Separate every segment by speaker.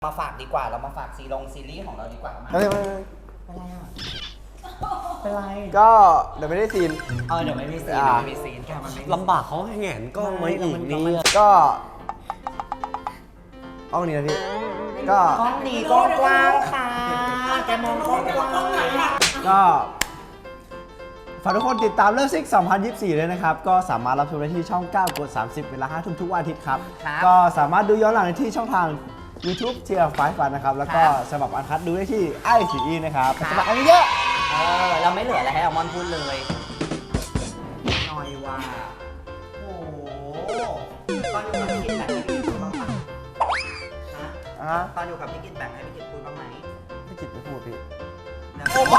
Speaker 1: มาฝากดีกว่าเรามาฝากซีรีส์ของเราดีกว่ามา
Speaker 2: ไม่
Speaker 1: เป็นไรอ่ะเป็นไร
Speaker 2: ก็เดี๋ยวไม่ได้ซีน
Speaker 1: เดี๋ยวไม่มีซีนเดี๋ยวไม่มีซีนแค่มันไม่มี
Speaker 3: ลำบากเขาแหงนกล้องไว้อีกนี่
Speaker 2: ก็เอาวันนี้นะพี่ก็
Speaker 1: กล้องนี้กล้องกว้างค่ะแกมองกล้องกว้าง
Speaker 2: ก็ฝากทุกคนติดตามเลิฟซิก2024เลยนะครับก็สามารถรับชมได้ที่ช่อง 9 กด 30 เวลา 5 ทุ่มทุกวันอาทิตย์ครับก็สามารถดูย้อนหลังได้ที่ช่องทาง YouTube เทียร์ไฟฟันนะครับแล้วก็สมัครอันคัดดูได้ที่ไอซีนะครับสมัครอันนี้เยอะ
Speaker 1: เราไม่เหลืออะไรให้อัลมอนด์พูดเลยน้อยว่าโอ้โหตอนอยู่กับพี่กินแบ่งให้พี่กินพูดบ้างปะฮะตอนอยู่กับพี่กินแบ่งให้พี่กินพูดบ้างไหม
Speaker 2: พี่กิตไม่พูดพี่
Speaker 1: โอ้โห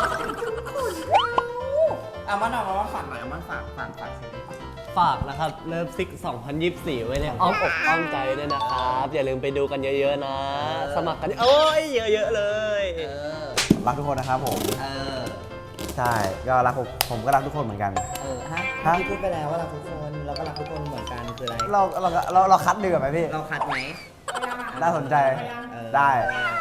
Speaker 1: อัลมอนด์ฝากหน่อยอัลมอนด์ฝากซีรีส์
Speaker 3: ฝากนะครับเลิฟซิก2024 ไว้ในอ้อมอกอ้อมใจด้วยนะครับ อย่าลืมไปดูกันเยอะๆนะ สมัครกันโอ้ยเยอะๆเลย
Speaker 2: รักทุกคนนะครับผมใช่ก็รักผมก็รักทุกคนเหมือนกัน
Speaker 1: ฮะพี่พูดไปแล้วว่ารักทุกคนเราก็รักทุกคนเหมือนกันคืออะไร
Speaker 2: เราคัดดีกว่าไหมพี่
Speaker 1: เราคัดไหม
Speaker 2: น่าสนใจ
Speaker 1: เออ
Speaker 2: ได้
Speaker 1: เออ